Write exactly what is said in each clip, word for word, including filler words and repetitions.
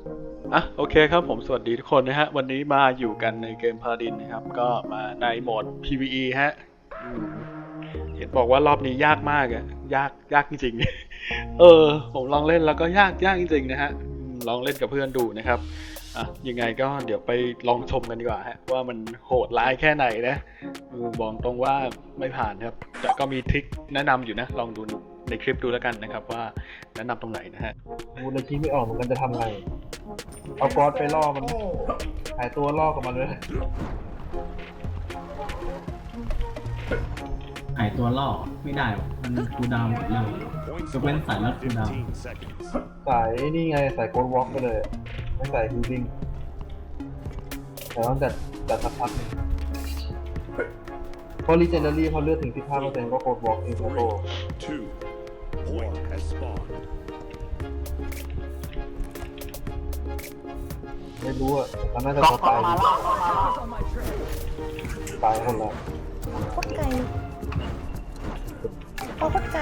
อ่ะโอเคครับผมสวัสดีทุกคนนะฮะวันนี้มาอยู่กันในเกมพาราดินนะครับก็มาในโหมด พี วี อี ฮะอืมเห็นบอกว่ารอบนี้ยากมากอะยากยากจริงๆ เออผมลองเล่นแล้วก็ยากยากจริงๆนะฮะอืมลองเล่นกับเพื่อนดูนะครับอ่ะยังไงก็เดี๋ยวไปลองชมกันดีกว่าฮะว่ามันโหดร้ายแค่ไหนนะเออบอกตรงว่าไม่ผ่านครับแต่ก็มีทริคแนะนำอยู่นะลองดูในคลิปดูแล้วกันนะครับว่าแนะนำตรงไหนนะฮะกูเลยคิดไม่ออกเหมือนกันจะทำไง เอาก๊อตไปล่อมันหายตัวล่อกับมันเลยหายตัวล่อไม่ได้หรอกมันคูลดาวน์หมดแล้วยกเว้นสายลัดคูลดาวน์สายนี่ไงสายโกดวอล์กไปเลย ไม่ใส่ฮิลลิ่งแต่ต้องจัดจัดสักพักหนึงเพราะรีเจนเดอรี่พอเลือดถึง สิบห้าเปอร์เซ็นต์ ก็โกดวอล์กเองครับโต Two. Point has spawned. ไม่รู้อ่ะมันน่าจะก๊อกตัวก๊อกตายมาแล้วก๊อกมาแล้วตายคนละโคตรไกลโคตรไกล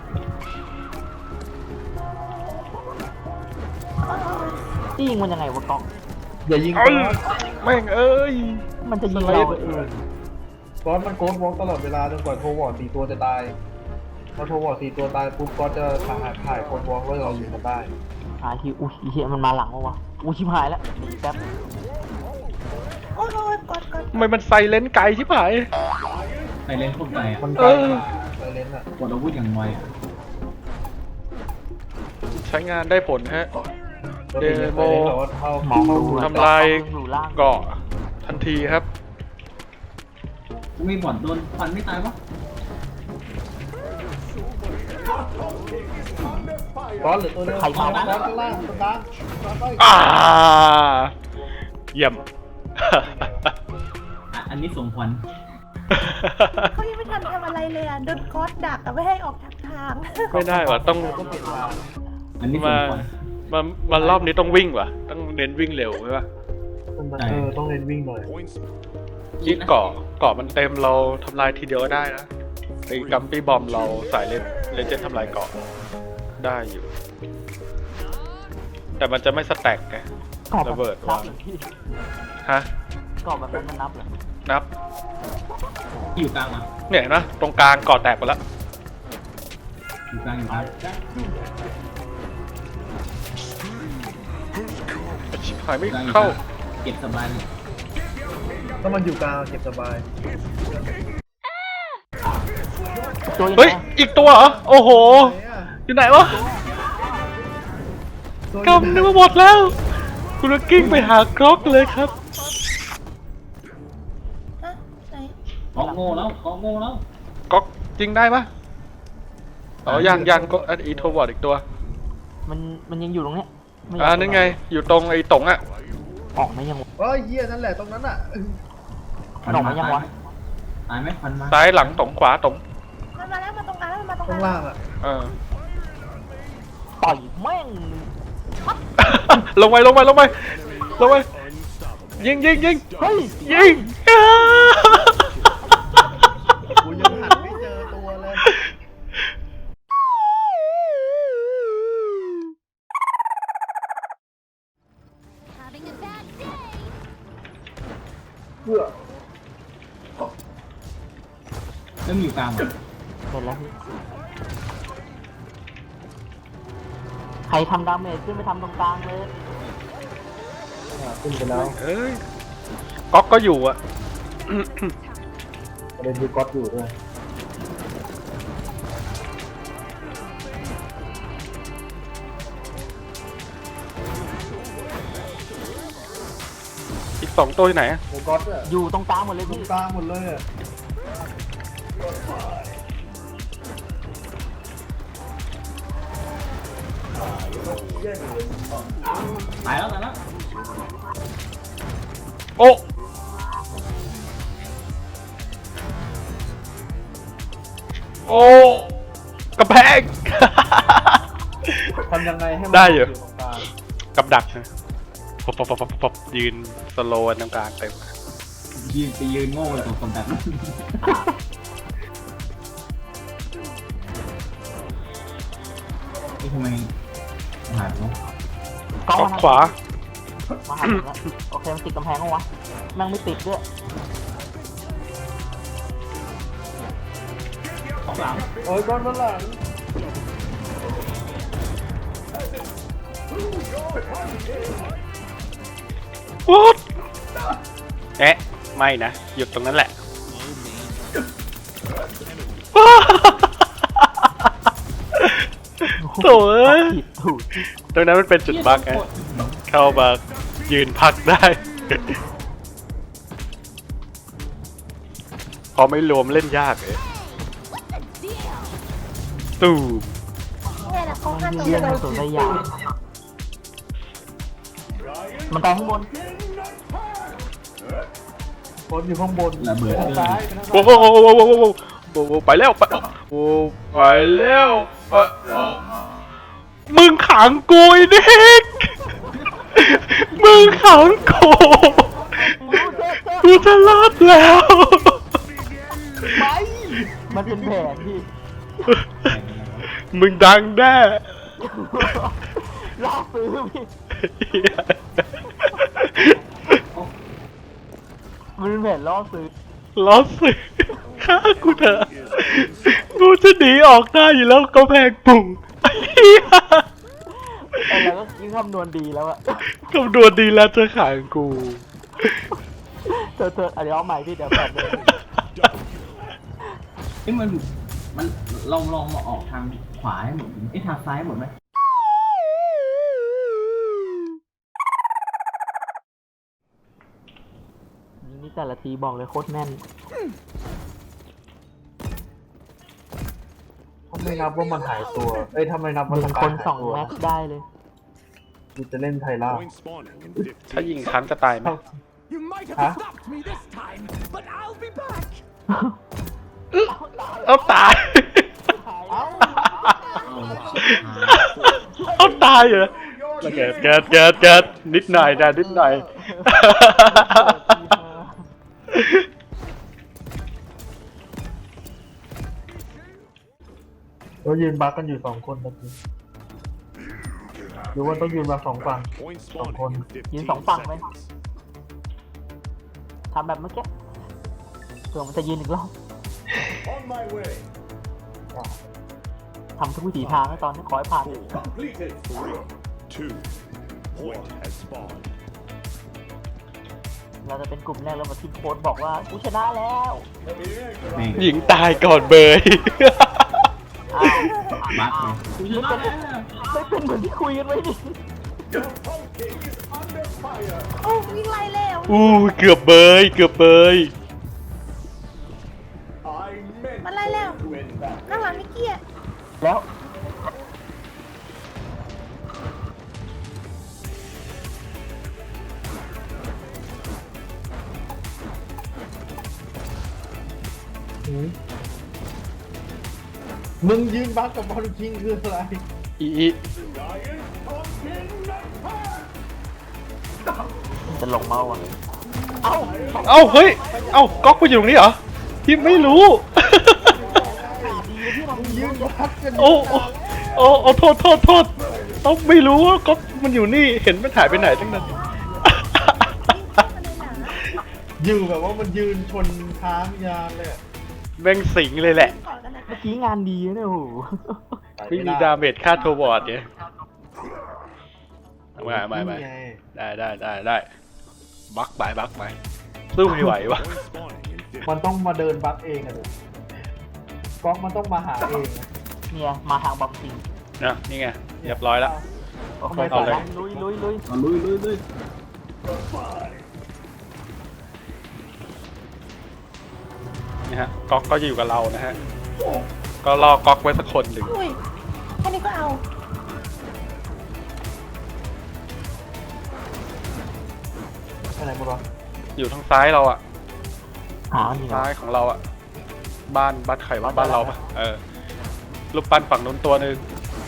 อ้าวนี่ยิงมันยังไงวะก๊อกอย่ายิงเอ้ก๊ยอตแม่งเอ้ยมันจะยิงสไลเราด์เออก๊อตมันโกดวอล์กตลอดเวลาจนกว่าโทวอร์ดสี่ตัวจะตายพอโทวอร์ดสี่ตัวตายปุ๊บก๊อตจะถ่ายถ่ายโกดวอล์กแล้วเรายิงมันได้หาที่อุ้ยเฮียมันมาหลังวะวะอุ้ยชิบหายแล้วหนีแป๊บโอ้ยโอ้ยกดกดทำไมมันไซเลนไกลชิบหายไปเล่นโคตรไกลอ่ะมันไกลมากไซเลนอ่ะกดอาวุธอย่างไวอ่ะใช้งานได้ผลฮะ เดโมมองดูทำลายอยู่ล่างเกาะทันทีครับไม่บอดโดนฟันไม่ตายวะก้อนหรือตัวเดียวก้อนข้างล่างตรงกลางตรงกลางไปอ่า เยี่ยมอ่ะอันนี้สมควรเขายังไม่ทันทำอะไรเลยอ่ะโดนคอสดักอ่ะไม่ให้ออกทางทางไม่ได้ว่ะต้องก็เปลี่ยนทางอันนี้สมามควรมามารอบนี้ต้องวิ่งว่ะ ต้องเน้นวิ่งเร็วใช่ปะเออต้องเล่นวิ่งหน่อย Points. ยิ่งเกาะเกาะมันเต็มเราทำลายทีเดียวก็ได้นะไอ้กัมปี้บอมเราสายเล่นเลเจนทำลายเกาะได้อยู่ แต่มันจะไม่สแต็กไงกรอบระเบิดนัวางบเหรอพี่ฮะกรอบแบบนั้นมันนับเหรอนับอยู่กลางอ่ะเนี่ยเห็นปะตรงกลางเกาะแตกไปแล้วอยู่กลางอยู่กลางชิบหายไม่อยู่กลางอยู่กเข้าลางเก็บสบายเลยถ้ามันอยู่กลางเก็บสบายตัวยังเฮ้ยไงอีกตัวเหรอ โอ้โห อยู่ไหนวะตัวกำนึกว่าหมดแล้ว คุณก็กิ้งไปหากรอกเลยครับฮะไหนเกาะโง่แล้วเกาะโง่แล้วก๊อกจริงได้ปะอ๋อยังยังก็อันอีโทวอร์ดอีกตัวมันมันยังอยู่ตรงเนี้ยไม่ยอ่านั่นไง อยู่ตรงไอ้ตงอ่ะออกไหมยังวะเฮ้ยเหี้ยนั่นแหละตรงนั้นอ่ะมันออกไหมยังวะตายไหมฟันมาซ้ายหลังตงขวาตงมันมาแล้วมาตรงกลางแล้วมันมาตรงกข้างลาล่าง งอ่ะเออต่อยแม่งลงไปลงไปลงไปลงไปยิงยิงยิงเฮ้ยยิงกูยังหันไม่เจอตัวเลย Having a bad day. เพื่อแล้วมันอยู่กลางอ่ะเสร็จแล้วพี่ใครทำดาเมจขึ้นไปทำตรงกลางเลยอ่าขึ้นไปแล้วเอ้ยก๊อกก็อยู่อ่ะประเด็นคือก๊อตอยู่ด้วยอีกสองตัวที่ไหนอะโอ้ก๊อตอ่ะอยู่ตรงกลางหมดเลยตรพี่งกลางหมดเลยอ่ะตายแล้วตายแล้วโอ้โอ้กระแพงทำยังไงให้มันได้อยู่ตรงกลางกับดักนะปบปบปบปบปบยืนสโลว์ตรงกลางเต็มยืนไปยืนโง่เลยตัวคนแบบนั้นนี่ทำไมหายไปวะก๊อกก๊อกนะขวามาหาผมแล้วโอเคมันติดกำแพงมั้งวะแม่งไม่ติดด้วยของหลังเอ้ยก้อนมันหลังวูดเอ๊ะไม่นะหยุดตรงนั้นแหละโถ่เอ้ยผิดถูกตรงนั้นมันเป็นจุดบั๊กไงเข้ามายืนพักได้ พอไม่รวมเล่นยากเลยตูมเนี่ยแหละเขาฆ่ามันตัวเลี้ยงเรามันสุดระยะมันตายข้างบนบอสอยู่ข้างบนระเบิดทางเกิซ้ายนไปทางโอ้ซ้ายโหโอ้โหโอ้โหโอ้โหโอ้โหไปแล้วไปโอ้ไปแล้วไปมึงขังกูไอ้เด็กมึงขังกูกูจะรอดแล้วมันเป็นแผนพี่มึงดังแน่ล่อซื้อพี่มันเป็นแผนล่อซื้อล้อสึกฆ่ากูเถอะกูจะหนีออกได้อยู่แล้วก็แพงปุ่งไอ้เหี้ยไอ้เราก็ยิ่งคำนวณดีแล้วอะคำนวณดีแล้วจะขังกูเธอเธอเดี๋ยวเอาใหม่พี่เดี๋ยวแปดเลยเอ้ยมันมันลองลองมาออกทางขวาให้หมดไอ้ยทางซ้ายหมดไหมนี่แต่ละทีบอกเลยโคตรแน่นถ้าไม่นับว่ามันหายตัว เอ้ยถ้าไม่นับหว่านึ่ทาง งคการนหายสองตัวแม็กได้เลยกูจะเล่นไทล่า Point spawning in ถ้า fifteen ยิงครั้งจะตายไหม You might have Huh? stopped me this time, but I'll be back. เอาตายเอาชิบหายเอาตายเหรอเกิดเกิดเกิดเกิดนิดหน่อยนะนิดหน่อยเรายืนบักกันอยู่สองคนตะกี้หรือว่าต้องยืนมาสองฝั่ง Point Don't spawning in hold. ยืน fifteen สองฝั่งไหม seconds. ทำแบบเมื่อกี้เผื่อมันจะยืนอีกรอบ On my way. ทำทุกวิถีทางให้ตอนนี้ขอให้ผ่าน Completed. Three, two, point has spawned. เราจะเป็นกลุ่มแรกแล้วมาทีมโค้ดบอกว่ากูชนะแล้วแม่งหญิงตายก่อนเบยอ้าวบั๊กเลยกูชนะแล้วไม่เป็นเหมือนที่คุยกันไว้ดิโอ้วิ่งไล่แล้วอู้เกือบเบยเกือบเบยมันไล่แล้วข้างหลังนี่เกี้ยแล้วมึงยืนบักกับบอลคิงคืออะไรอีอีจะลงเมาอ่ะเอ้าเอ้าเฮ้ยเอ้าก๊อกไปอยู่ตรงนี้เหรอที่ไม่รู้ยืนบักกันโอ้โอ้โอ้โอ้โทษโทษโทษต้องไม่รู้ว่าก๊อกมันอยู่นี่เห็นมันหายไปไหนตั้งนั้นอยู่แบบว่ามันยืนชนค้างยานเลยอะแม่งสิงเลยแหละก่อนกันนะเมื่อกี้งานดีนะเนี่ยโอ้โหไม่มีดาเมจค่าโทรบอร์ดเนี่ยมามามานี่ไงได้ได้ได้ได้บักไปบักไปสู้ไม่ไหววะ Point spawning in fifteen. มันต้องมาเดินบักเองอะเด็กก๊อกมันต้องมาหาเองอะเนี่ยมาทางบอมซิงนะนี่ไงเรียบร้อยแล้วโอเคเอาเลยไปลุยลุยลุยเอาลุยลุยลุยนี่ฮะก๊อกก็จะอยู่กับเรานะฮะก็รอก๊อกไว้สักคนหนึ่งอุ้ยแค่นี้ก็เอาอะไรบ้างอยู่ทางซ้ายเราอะหามันอยู่ซ้ายของเราอะบ้านบ้านไข่ว่าบ้านเราปะเออรูปปั้นฝั่งนู้นตัวหนึ่ง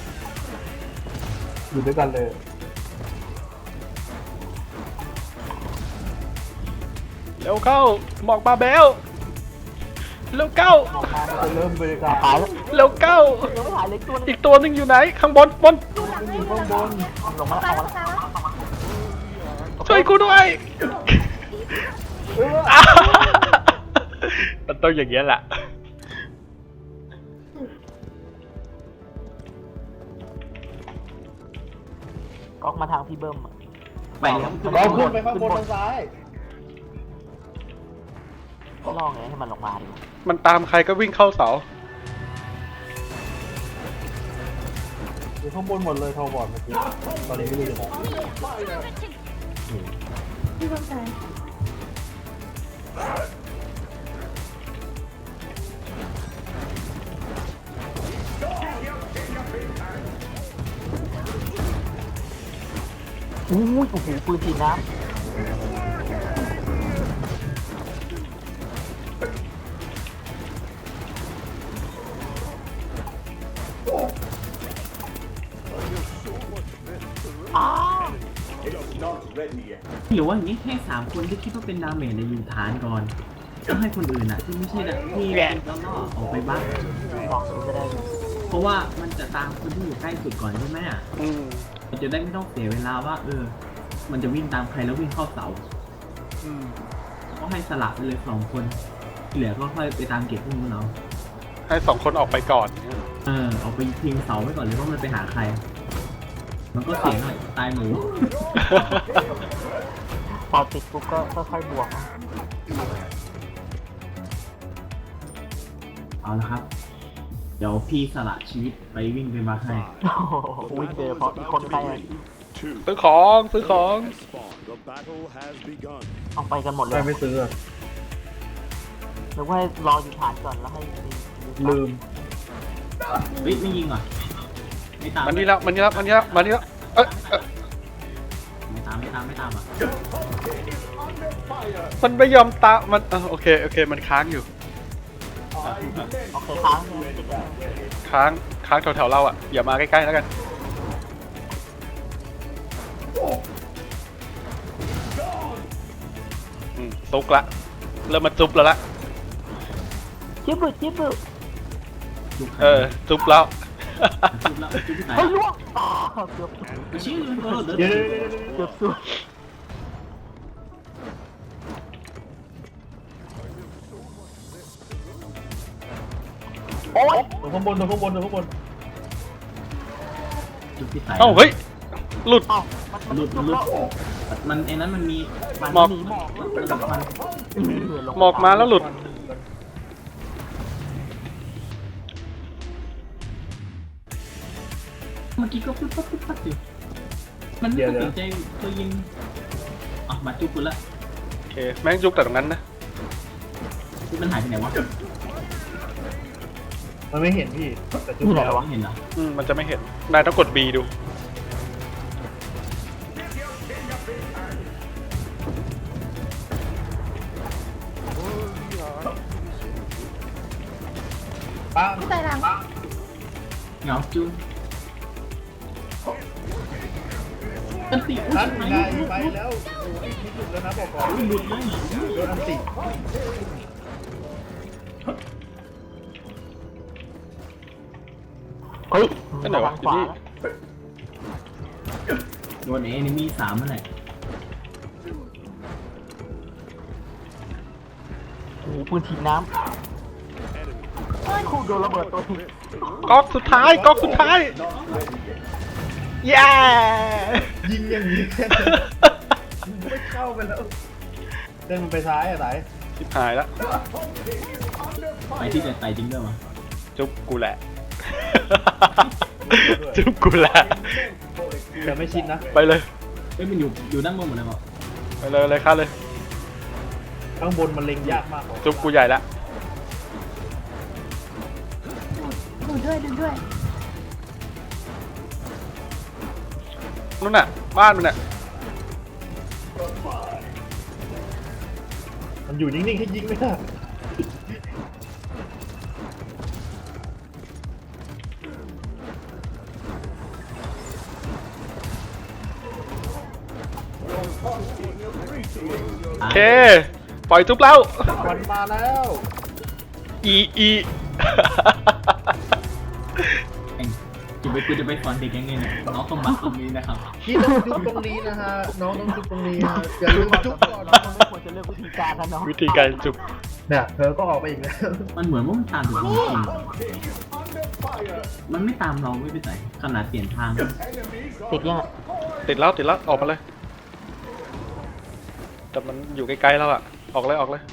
อยู่ด้วยกันเลยเร็วเข้าหมอกบาเบลเร็วเข้าออกมามันจะเริ่มบริการหายแล้วเร็วเข้ายังไม่หายเล็กตัวนึงอีกตัวหนึ่งอยู่ไหนข้างบนบนดูหลังให้อยู่ดูข้างหลังบนลงมาตาแล้วยเอามาตายแล้วแล้วช่วยกูด้วย มันต้องอย่างเงี้ยแหละก๊อกมาทางพี่เบิ้มอะไปเลยครับเราขึ้นไปข้างบนทางซ้ายล่อไงให้มันลงมาดิมันตามใครก็วิ่งเข้าเสาอยู่ข้างบนหมดเลยโทรบอร์ดเมื่อกี้ตอนนี้ไม่รู้อยู่ไหนพี่ต้องการอู้ยโอ้โหปืนฉีดน้หรือว่าอย่างนี้ให้สามคนที่คิดว่าเป็นดาเมจในอยู่ฐานก่อนก็ให้คนอื่นอ่ะที่ไม่ใช่ดาที่แล้วก็ออกไปบ้างำลองดูจะได้เพราะว่ามันจะตามคนที่อยู่ใกล้สุดก่อนใช่ไหมอ่ะอืมมันจะได้ไม่ต้องเสียเวลาว่า เออ มันจะวิ่งตามใครแล้ววิ่งเข้าเสาอืมก็ให้สลับไปเลยสองคนที่เหลือก็ค่อยไปตามเก็บพวกนู้นเอาให้สองคนออกไปก่อนเออออกไปพิงเสาไว้ก่อนเลยว่ามันไปหาใคร มันก็เสียหน่อยตายหมูพอติดปุ๊บก็ค่อยๆบวกเอาละครับ เดี๋ยวพี่สละชีวิตไปวิ่งไปมาให้โอ้โหวิ่งเจอเพราะอีกคนใครอะ Two ซื้อของซื้อของ has spawned. The battle has begun. เอาไปกันหมดเลใครยไม่ซื้ออะหรือว่ารออยู่ฐานก่อนแล้วให้ลืมเฮ้ยไม่ยิงเหรอไม่ตามมันนี่แล้วมันนี่แล้วมันนี่แล้วมันนี่แล้วเอ้ยเอ้ยไม่ตามไม่ตามไม่ตามอ่ะมันไม่ยอมตามมันเออโอเคโอเคมันค้างอยู่โอเคค้างเลยค้างค้างแถวๆเราอ่ะอย่ามาใกล้ๆแล้วกันอืมซุกละเริ่มมาจุบแล้วละจิ๊บบึจิ๊บบึจุกใครเออจุบแล้วจุกแล้วจุกที่ไหนเฮ้ยล่วงอ่าเกือบชื่อเออเดี๋เดี๋ยยว วเดี๋ยวเดี๋ยวเดี๋ยวเกือบสุดโอ้ยตรงข้างบนตรงข้างบนตรงข้างบนจุกที่ไหนเอ้าเฮ้ยหลุดเอ้ามันหลุดหลุดมันไอ้นั้นมันมีหมอกหนีหมอกมันหลุดมันหมอกมาแล้วหลุดเมื่อกี้ก็ปุ๊บปั๊บปุ๊บปั๊บอยู่มันไม่สนใจตัวยิงอ่ะมาจุกกูละโอเคแม่งจุกแต่ตรงนั้นนะมันหายไปไหนวะมันไม่เห็นพี่แต่จุดนี่ไหนแล้ววะเห็นเหรออืมมันจะไม่เห็นนายต้องกด B ดูป้าพี่ตายหลังเหงาจุงมันติดท่านนายไปแล้วโอ้ยที่สุดแล้วนะบอกก่อนหลุดเลยโดนอันติเฮ้ยนั่นไหนวะทางขวาอยู่นี่โดนเอนิมีสามเมื่อไหร่โอ้โหปืนฉีดน้ำคู่โดนระเบิดตัวนี้ก๊อกสุดท้ายก๊อกสุดท้ายเย้ยิงอย่างนี้แค่ไม่เข้าไปแล้วเดินมันไปซ้ายอะไหนชิบหายแล้วไปที่จะไต่จริงด้วยมั้ยจุบกูแหละ จุบกูแหละแต่ไม่ชินนะไปเลยเอ้ยมันอยู่อยู่ด้านบนหมดเลยเปล่าไปเลยเลยค่ะเลยข้างบนมันเล็งยากมากกว่าจุบกูใหญ่ละดูด้วยดูด้วยนู่นน่ะบ้านมันน่ะมันอยู่นิ่งๆให้ยิงไม่ได้โอเคปล่อยจุบแล้วมันมาแล้วอีอีเองจุจะไปกูจะไปสอนเด็กยังไงเนี่ยน้องต้องมาตรงนี้นะครับพี่ต้องจุ๊บตรงนี้นะฮะน้องต้องจุ๊บตรงนี้ฮะอย่าลืมจุ๊บก่อนเราไม่ควรจะเลือกวิธีการนะเนาะวิธีการจุบเนี่ยเธอก็ออกไปอีกแล้วมันเหมือนว่ามันตามถึงจริงๆมันไม่ตามเราไม่ไปไหนขนาดเปลี่ยนทางติดยังอะติดแล้วติดแล้วออกมาเลย แต่มันอยู่ไกลๆแล้วอะออกเลยออกเลย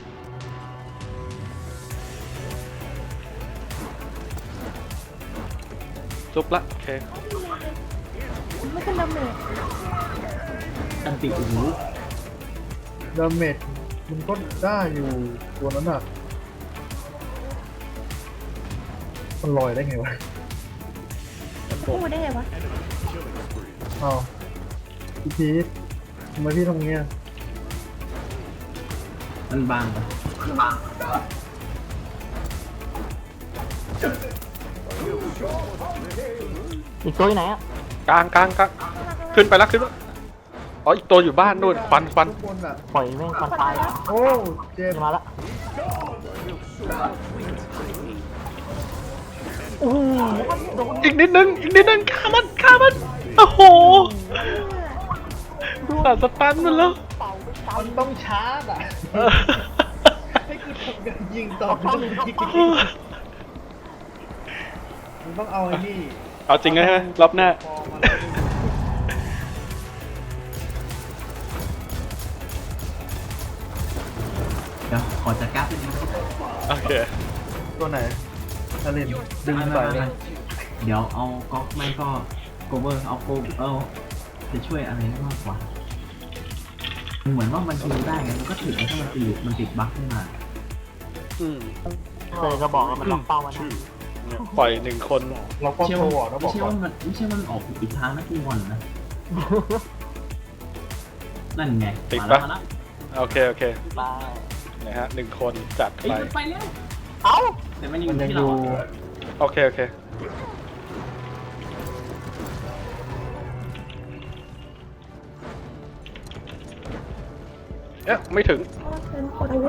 จุบละโอเคไม่เป็นดาเมจตันติโอ้โหดาเมจมันก็ได้อยู่ตัวนั้นอ่ะมันลอยได้ไงวะพูดได้ไงวะอ้าวพี่พีททำไมพี่ทำเงี้ยมันบางปะอีกตัวอยู่ไหนอะกลางกลางกลางขึ้นไปแล้วขึ้นแล้วอ๋ออีกตัวอยู่บ้านนู่นฟันฟันทุกคนอ่ะปล่อยแม่งมันตายแล้วโอ้เจ็บมาละโอ้โหโดนอีกนิดนึงอีกนิดนึงฆ่ามันฆ่ามันโอ้โหตัดสตันมันแล้วมันต้องชาร์จอ่ะเออให้กูทำการยิงต่อมันต้องยิงมันต้องเอาไอ้นี่เอาจริงนะฮะรอบหน้าพอมันเดี๋ยวขอจัดการเป็นงโอเคตัวไหนทะเลนดึงไปเดี๋ยวเอาก๊อกไม่ก็โกเวอร์เอาโกเอาจะช่วยอะไรได้มากกว่ามันเหมือนว่ามันฮิวได้ไงมันก็ถึงถ้ามันติดมันติดบั๊กขึ้นมาอืมเคยก็บอกว่ามันล็อกเป้ามันนะเนี่ยปล่อยหนึ่งคนเราก็เชื่อโทรว่าบอกแล้วบไม่อกใช่ก่อว่าน มันไม่ใช่ว่ามันออกอีกทางนะกูงอนนะนั่นไงติดมาปะแล้วมาแล้วโอเคโอเคไปนะฮะหนึ่งคนจัดเฮ้ยไปมันไปแล้วเอ้าแต่มันยังมันยังที่อเรายู่อะโอเคโอเคเอ๊ะไม่ถึงเพราะว่าเป็นคนอาวุธ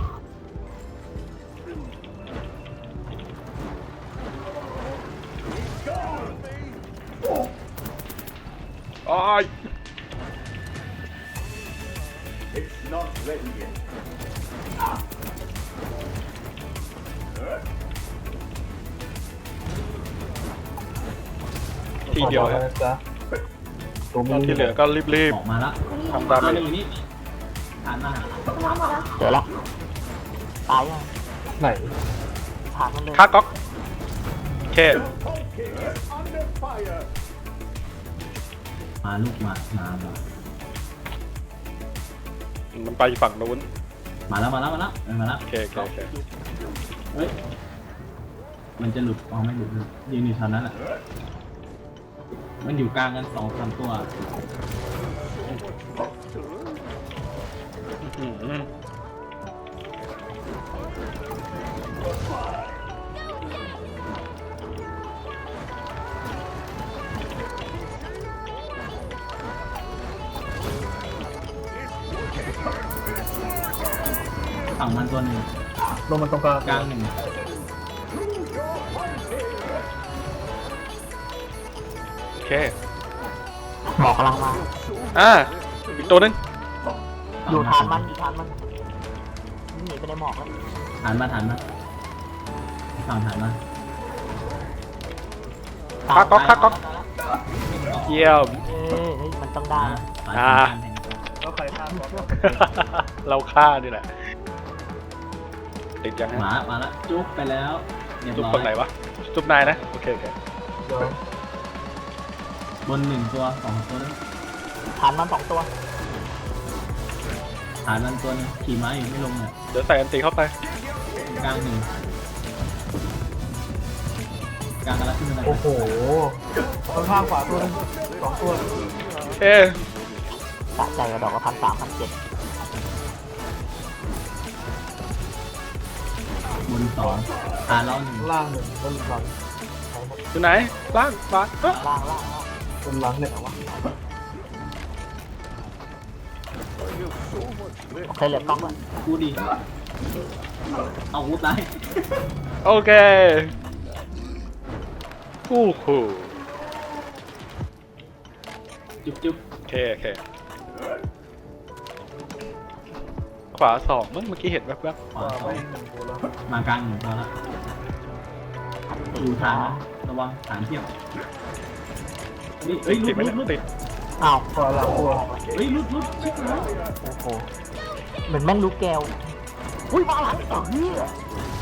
อ้าย ทีเดียวนะฮะจ๊ะตัวตอนมืที่เหลือก็รีบออกมาแล้วทำตามตัวหนึงอยู่นี่ฐานหน้าน้ำมาแล้วเจอละตายยังไหนถามมันเลยๆค่าก๊อกโอเคมาลูกมามามามันไปฝั่งนู้นมาแล้วมาแล้วมาแล้วเออมาแล้วโอเคโอเคโอเคเฮ้ยมันจะหลุดอ๋อไม่หลุดหลุดยืนอยู่แถวนั้นแหละมันอยู่กลางกันสองสามตัวอืมฝั่งมันตัวหนึ่งลงมันตรงกลางกลางหนึ่งโอเคหมอกกำลังมาอ่าอีกตัวหนึงอยู่ฐานมันอยู่ฐานมันหนีไปในหมอกแล้วฐานมาฐานมาฝั่งฐานมาค่าก๊อกค่าก๊อกเยี่ยมเอ้ยเฮ้ยมันต้องได้อ่านะอ่าแล้วใครฆ่าก่อนเราฆ่านี่แหละ ติดยังหฮะมามาแล้วจุ๊บไปแล้วเรียบจุบร้อคนไหนยวะจุบนายนะโอเคโอเคเดี๋ยวบนหนึ่งตัวสองตัวนึงฐานมันสองตัวฐานมันตัวนึงขี่ม้าอยู่ไม่ลงเนี่ยเดี๋ยวใส่อันตีเข้าไปกลางหนึ่งกลางกันแล้วขึ้นมาโอ้โหข้างๆขวาตัวหนึงสองตัวโอเคสะใจกระดอกละพันสามพันเจ็ดบนสองฐานเราหนึ่งล่างหนึ่งบนหลังอยู่ไหนล่างบาสเอ้อล่างล่างล่างบนหลังเนี่ยโอเคเหลือกล้องแล้วกูดีเอากูตายโอเคอู้หูจุ๊บจุ๊บโอเคโอเคขวาสองมั้งเมื่อกี้เห็นแวบขวาสอไม่งหนึ่งตัวแล้วมากลางหนึ่งตัวแล้วอยู่ฐานนะระวังฐานเทียบนี่ๆเอ้ยติลุดดไหมลุเนี่ดยลุดติดอ้าวขวาหลังตัวเฮ้ยลุดลุดชิบหายโอ้โหเหมือนแม่งรู้แก้วอุ้ยมาหลังต่อเฮีย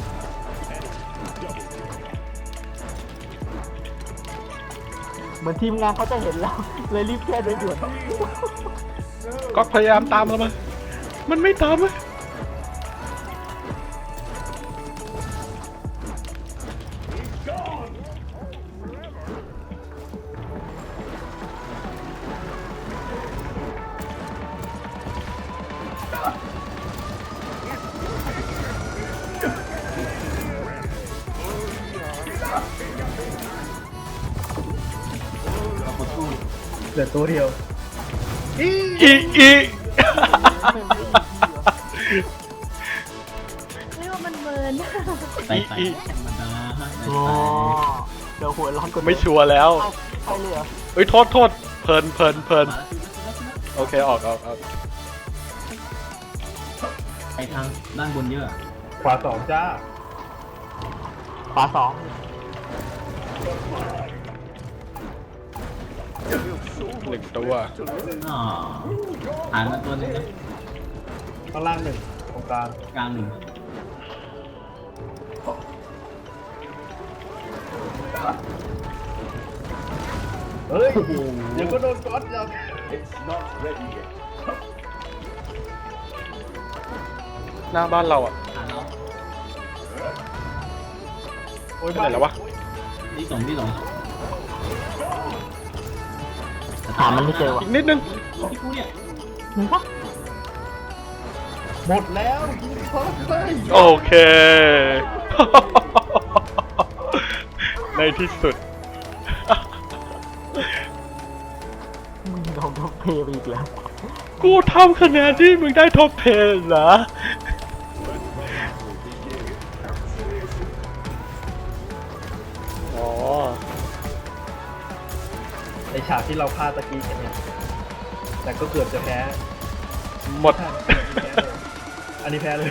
เหมือนทีมงานเขาจะเห็นแล้ว เลยรีบแก้โดยด่วนก็พยายามตามแล้วมันมันไม่ตามอะเหลือตัวเดียวอีอีเรียกว่ามันเมินใส่ใส่ธรรมดาฮะใส่อ๋อใส่เดี๋ยวหัวร้อนกว่าไม่ชัวร์แล้วเอาใช่เลยเหรอเอ้ยโทษโทษเพลินเพลินเพลินมาแล้วชิบหายโอเคออกออกออกไปทางด้านบนเยอะอะขวาสองจ้าขวาสองหนึ่งตัวอ๋อฐานมาตัวหนึงนะข้างล่างหนึ่งตรงกลางกลางหนึ่งเฮ้ยเดี๋ยวก็โดนก๊อตยัง It's not ready yet. หน้าบ้านเราอ่ะฐานเราโอ้ยไปไหนแล้ววะที่สองที่สองหามันไม่เจอว่ะอีกนิดนึงที่กูเนี่ยหนึ่งปะหมดแล้วยิงคอสเลยโอเค ในที่สุดมึงโดนท็อปเพย์ไปอีกแล้วกูทำคะแนนที่มึงได้ท็อปเพลเหรอ อ๋อไอฉากที่เราพลาดตะกี้กันเนี่ยแต่ก็เกือบจะแพ้หมดใช่แพ้เลยอันนี้แพ้เลย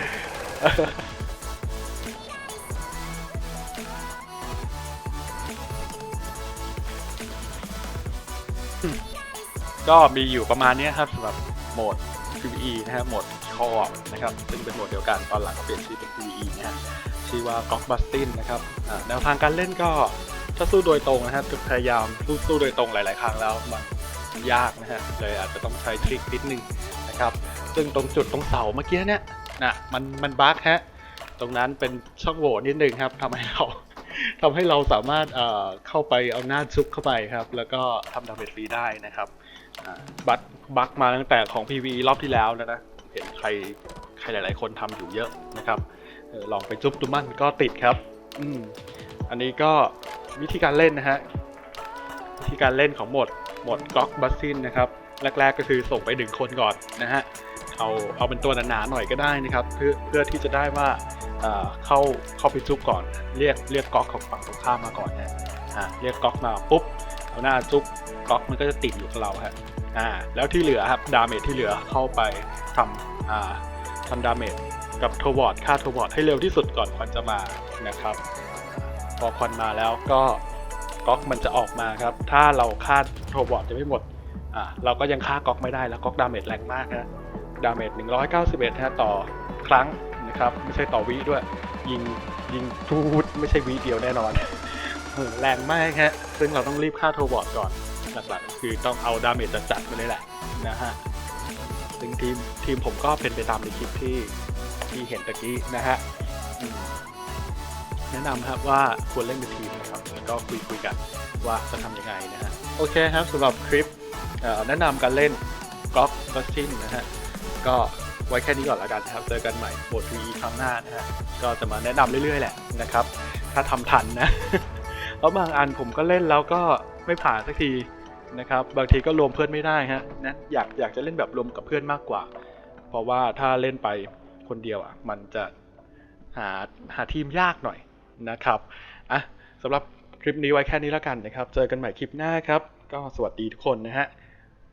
ก็มีอยู่ประมาณนี้ครับสำหรับโหมด พี วี อี นะฮะโหมดคอร์นะครับซึ่งเป็นโหมดเดียวกันตอนหลังก็เปลี่ยนชื่อเป็น พี วี อี นะฮะชื่อว่า Gok Bustin นะครับอ่าแนวทางการเล่นก็ถ้าสู้โดยตรงนะฮะพยายามสู้สู้โดยตรงหลาย ๆ ครั้งแล้วมันยากนะฮะเลยอาจจะต้องใช้ทริคนิดนึงนะครับซึ่งตรงจุดตรงเสาเมื่อกี้เนี่ยนะมันมันบั๊กฮะตรงนั้นเป็นช่องโหว่นิดนึงครับทำให้เรา ทำให้เราสามารถเอ่อเข้าไปเอาหน้าซุกเข้าไปครับแล้วก็ทำดาเมจฟรีได้นะครับอ่าบัตบักมาตั้งแต่ของ พี วี อี รอบที่แล้วนะนะเห็นใครใครหลาย ๆ คนทำอยู่เยอะนะครับเออลองไปจุ๊บดูมั่นก็ติดครับอืมอันนี้ก็วิธีการเล่นนะฮะวิธีการเล่นของโหมดโหมด Gok Bustin นะครับแรก ๆ ก็คือส่งไปหนึ่งคนก่อนนะฮะเอาเอาเป็นตัวหนาๆหน่อยก็ได้นะครับเพื่อเพื่อที่จะได้ว่าเอ่อเข้าเข้าไปจุ๊บก่อนเรียกเรียกก๊อกของฝั่งตรงข้ามมาก่อนนะอ่าเรียกก๊อกมาปุ๊บเอาหน้าจุ๊บก๊อกมันก็จะติดอยู่กับเราฮะอ่าแล้วที่เหลือครับดาเมจที่เหลือเข้าไปทำอ่าทำดาเมจกับโทวอร์ดฆ่าโทวอร์ดให้เร็วที่สุดก่อนควันจะมานะครับพอควันมาแล้วก็ก๊อกมันจะออกมาครับถ้าเราฆ่าโทวอร์ดจะไม่หมดอ่าเราก็ยังฆ่าก๊อกไม่ได้แล้วก๊อกดาเมจแรงมากนะดาเมจหนึ่งร้อยเก้าสิบเอ็ดฮะต่อครั้งนะครับไม่ใช่ต่อวิด้วยยิงยิงทูดไม่ใช่วิเดียวแน่นอน แรงมากฮะซึ่งเราต้องรีบฆ่าโทวอร์ดก่อนหลักๆคือต้องเอาดาเมจจัดๆไปเลยแหละนะฮะซึ่งทีมทีมผมก็เป็นไปตามในคลิปที่ที่เห็นตะกี้นะฮะอืมแนะนำครับว่าควรเล่นเป็นทีมนะครับแล้วก็คุยคุยกันว่าจะทำยังไงนะฮะโอเคครับสำหรับคลิปเอ่อแนะนำการเล่น Gok Bustin นะฮะก็ไว้แค่นี้ก่อนแล้วกันนะครับเจอกันใหม่โหมด พี วี อี ครั้งหน้านะฮะก็จะมาแนะนำเรื่อยๆแหละนะครับถ้าทำทันนะ แล้วบางอันผมก็เล่นแล้วก็ไม่ผ่านสักทีนะครับบางทีก็รวมเพื่อนไม่ได้ฮะนะอยากอยากจะเล่นแบบรวมกับเพื่อนมากกว่า เพราะว่าถ้าเล่นไปคนเดียวอ่ะมันจะหาหาทีมยากหน่อยนะครับอ่ะสำหรับคลิปนี้ไว้แค่นี้แล้วกันนะครับเจอกันใหม่คลิปหน้าครับก็สวัสดีทุกคนนะฮะ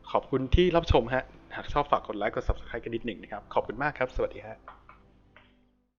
ขอบคุณที่รับชมฮะหากชอบฝากกดไลค์กด ซับสไครบ์ กันนิดหนึ่งนะครับขอบคุณมากครับสวัสดีฮะ